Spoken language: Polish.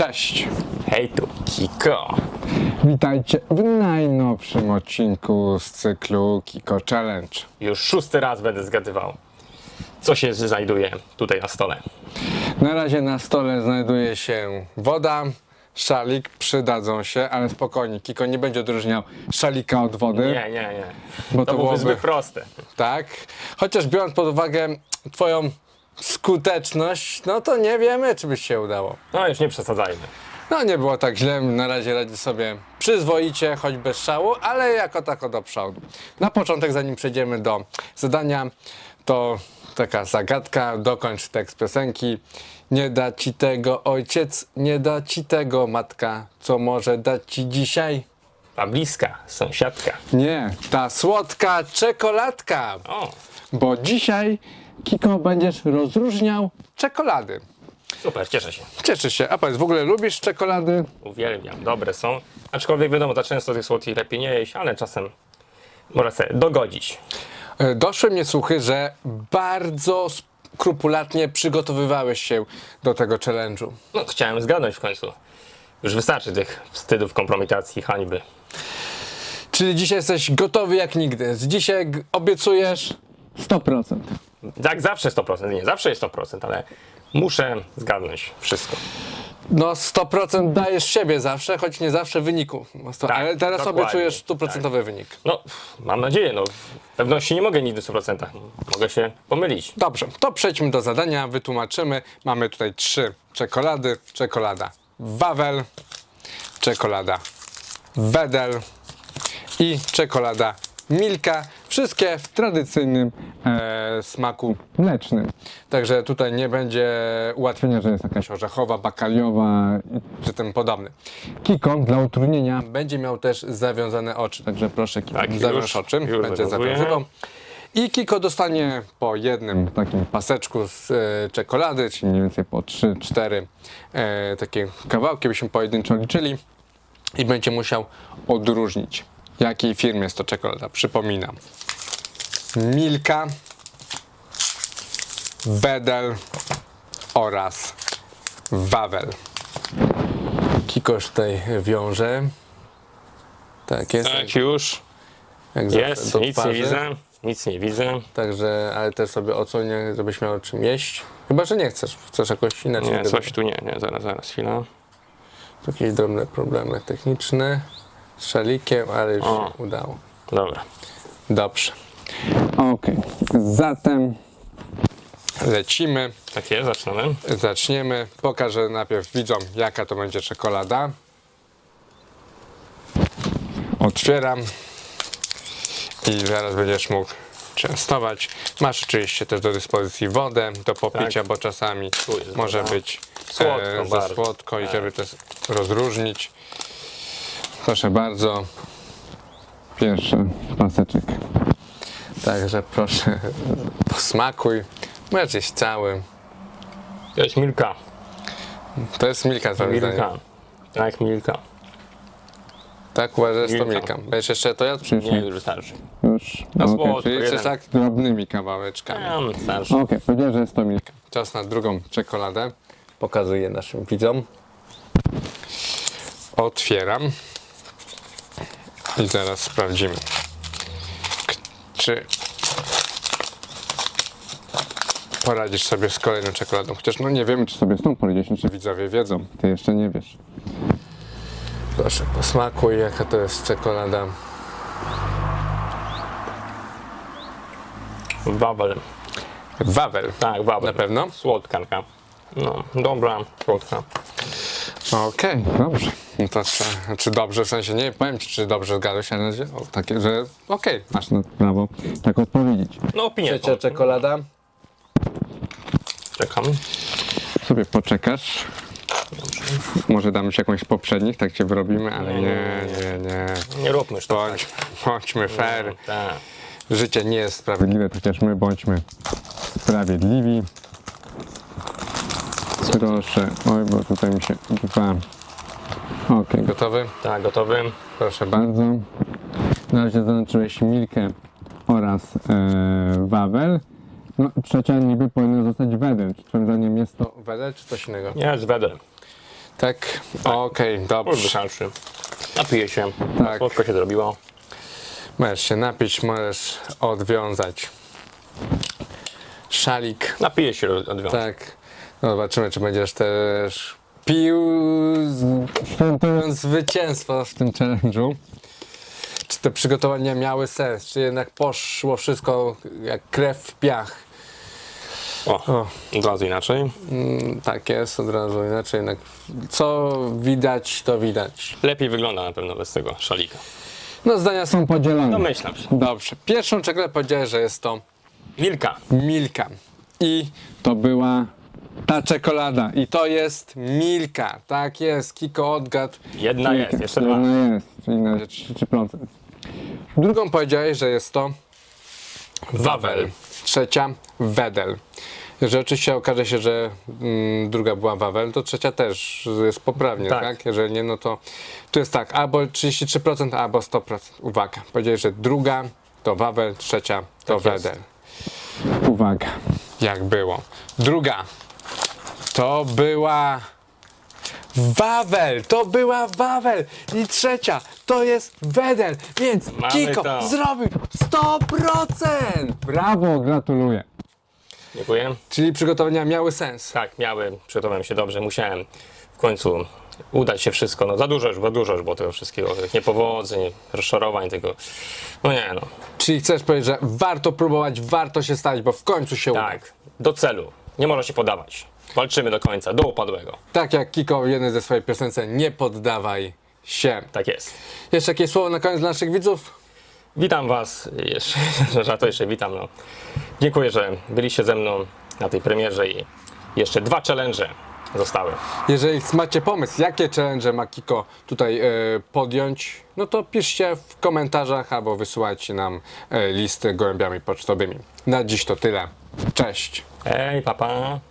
Cześć! Hej tu, Kiko. Witajcie w najnowszym odcinku z cyklu Kiko Challenge. Już 6. raz będę zgadywał, co się znajduje tutaj na stole. Na razie na stole znajduje się woda, szalik, przydadzą się, ale spokojnie, Kiko nie będzie odróżniał szalika od wody. Nie. Bo To byłoby zbyt proste. Tak, chociaż biorąc pod uwagę twoją skuteczność, no to nie wiemy, czy by się udało. No już nie przesadzajmy. No nie było tak źle, na razie radzi sobie przyzwoicie, choć bez szału, ale jako tako do przodu. Na początek, zanim przejdziemy do zadania, to taka zagadka, dokończ tekst piosenki. Nie da ci tego ojciec, nie da ci tego matka, co może dać ci dzisiaj? A bliska, sąsiadka. Nie, ta słodka czekoladka, O, bo dzisiaj, Kiko, będziesz rozróżniał czekolady. super, cieszę się. Cieszę się, a powiedz, w ogóle lubisz czekolady? Uwielbiam, dobre są. Aczkolwiek wiadomo, za często tych słodkich lepiej nie jeść, ale czasem można sobie dogodzić. Doszły mnie słuchy, że bardzo skrupulatnie przygotowywałeś się do tego challenge'u. No, chciałem zgadnąć w końcu. Już wystarczy tych wstydów, kompromitacji, hańby. Czyli dzisiaj jesteś gotowy jak nigdy. Z dzisiaj obiecujesz 100%. Jak zawsze 100%, nie zawsze jest 100%, ale muszę zgadnąć wszystko. No 100% dajesz siebie zawsze, choć nie zawsze wyniku. Ale teraz dokładnie, obiecujesz 100% wynik. No, mam nadzieję, no. Pewności nie mogę nigdy w 100%. Mogę się pomylić. Dobrze, to przejdźmy do zadania, wytłumaczymy. Mamy tutaj 3 czekolady. Czekolada Wawel, czekolada Wedel i czekolada Milka. Wszystkie w tradycyjnym smaku mlecznym. Także tutaj nie będzie ułatwienia, że jest jakaś orzechowa, bakaliowa czy tym podobny. Kiko dla utrudnienia będzie miał też zawiązane oczy. Także proszę, Kiko, Tak, zawiąż oczy. już Będzie zawiązuję. zawiązywał. I Kiko dostanie po jednym takim paseczku z czekolady, czyli mniej więcej po 3-4 takie kawałki, byśmy pojedynczo liczyli. I będzie musiał odróżnić, jakiej firmy jest to czekolada. Przypominam. Milka, Wedel oraz Wawel. Kiko już tutaj wiąże. Tak jest. Tak, już. Jak zawsze Jest, do nic nie twarzy. widzę. Nic nie widzę. Także, ale też sobie ocenię, żebyś miał czym jeść. Chyba, że nie chcesz. Chcesz jakoś inaczej. Nie, coś tu nie, zaraz, chwila. Jakieś drobne problemy techniczne z szalikiem, ale już O. się udało. Dobra. Dobrze. Okej. Zatem lecimy. Tak jest, zaczynamy. Zaczniemy. Pokażę najpierw widzom, jaka to będzie czekolada. Otwieram. I zaraz będziesz mógł częstować. Masz oczywiście też do dyspozycji wodę do popicia, Tak. bo czasami Tu jest może woda. być Słodko za bardzo. słodko i Tak. żeby to rozróżnić. Proszę bardzo. Pierwszy paseczek. Także proszę, posmakuj. Możesz jeść cały. To jest Milka. To jest Milka, twoim zdaniem. Milka. Tak, Milka. Tak uważasz, to Milka. Milka. Będziesz jeszcze to jadł? Nie, już wystarczy. Już. Na Okej, słodko, czyli jeden. chcesz tak drobnymi kawałeczkami. Wystarczy. Okej, powiedziałem, że jest to Milka. Czas na drugą czekoladę. Pokazuję naszym widzom. Otwieram. I zaraz sprawdzimy, czy poradzisz sobie z kolejną czekoladą. Chociaż no nie wiemy, czy sobie z tą poradzisz, czy widzowie wiedzą. Ty jeszcze nie wiesz. Proszę, posmakuj, jaka to jest czekolada. Wawel. Wawel. Tak, Wawel. Na pewno? Słodka taka. No, dobra, słodka. Okej, dobrze. No to czy dobrze, w sensie nie powiem ci, czy dobrze zgadłeś, ale że, takie, że okej, masz na prawo tak odpowiedzieć. No, opinia. Trzecia czekolada. Czekam. Sobie poczekasz. Może damy ci jakąś z poprzednich, tak cię wyrobimy, ale nie. Nie róbmy już tak. Bądźmy fair. Tak. Życie nie jest sprawiedliwe, chociaż my bądźmy sprawiedliwi. Proszę. Oj, bo tutaj mi się dwa. Okej, gotowy? Tak, gotowy. Proszę bardzo. Na razie zaznaczyłeś Milkę oraz Wawel. No, trzecia niby powinna zostać Wedel. Czy twoim zdaniem jest to Wedel, czy coś innego? Nie, z Wedel. Tak? Okej, Już dobrze. wystarczy. Napiję się. Tak. Słodko się zrobiło. Możesz się napić, możesz odwiązać szalik. Napiję się odwiązać. Tak. No zobaczymy, czy będziesz też pił, świętując zwycięstwo w tym challenge'u. Czy te przygotowania miały sens, czy jednak poszło wszystko jak krew w piach. O, od razu inaczej. Tak jest, od razu inaczej jednak. Co widać, to widać. Lepiej wygląda na pewno bez tego szalika. No zdania są podzielone. Domyślam się. Dobrze. Pierwszą czekoladę powiedziałeś, że jest to Milka. Milka. I to była ta czekolada. I to jest Milka. Tak jest. Kiko odgadł. Jedna jest, jeszcze dwa. Jedna jest, czyli na 33%. Drugą powiedziałeś, że jest to Wawel. trzecia Wedel. Jeżeli oczywiście okaże się, że druga była Wawel, to trzecia też jest poprawnie, tak? Tak. Jeżeli nie, no to tu jest tak, albo 33%, albo 100%. Uwaga, powiedziałeś, że druga to Wawel, trzecia to Tak jest. Wedel. Uwaga, jak było. Druga to była Wawel, to była Wawel i trzecia to jest Wedel, więc Mamy Kiko to. zrobił 100%! Brawo, gratuluję. Dziękuję. Czyli przygotowania miały sens. Tak, przygotowałem się dobrze. Musiałem w końcu udać się wszystko. No za dużo już było tego wszystkiego. Tych niepowodzeń, rozczarowań, tego. No nie no. Czyli chcesz powiedzieć, że warto próbować, warto się stać, bo w końcu się uda. Tak, do celu. Nie można się podawać. Walczymy do końca, do upadłego. Tak jak Kiko w jednej ze swojej piosence, nie poddawaj się. Tak jest. Jeszcze jakieś słowo na koniec dla naszych widzów? Witam Was, jeszcze witam. No. Dziękuję, że byliście ze mną na tej premierze i jeszcze 2 challenge zostały. Jeżeli macie pomysł, jakie challenge ma Kiko tutaj podjąć, no to piszcie w komentarzach albo wysyłajcie nam listy gołębiami pocztowymi. Na dziś to tyle. Cześć! Hej, papa.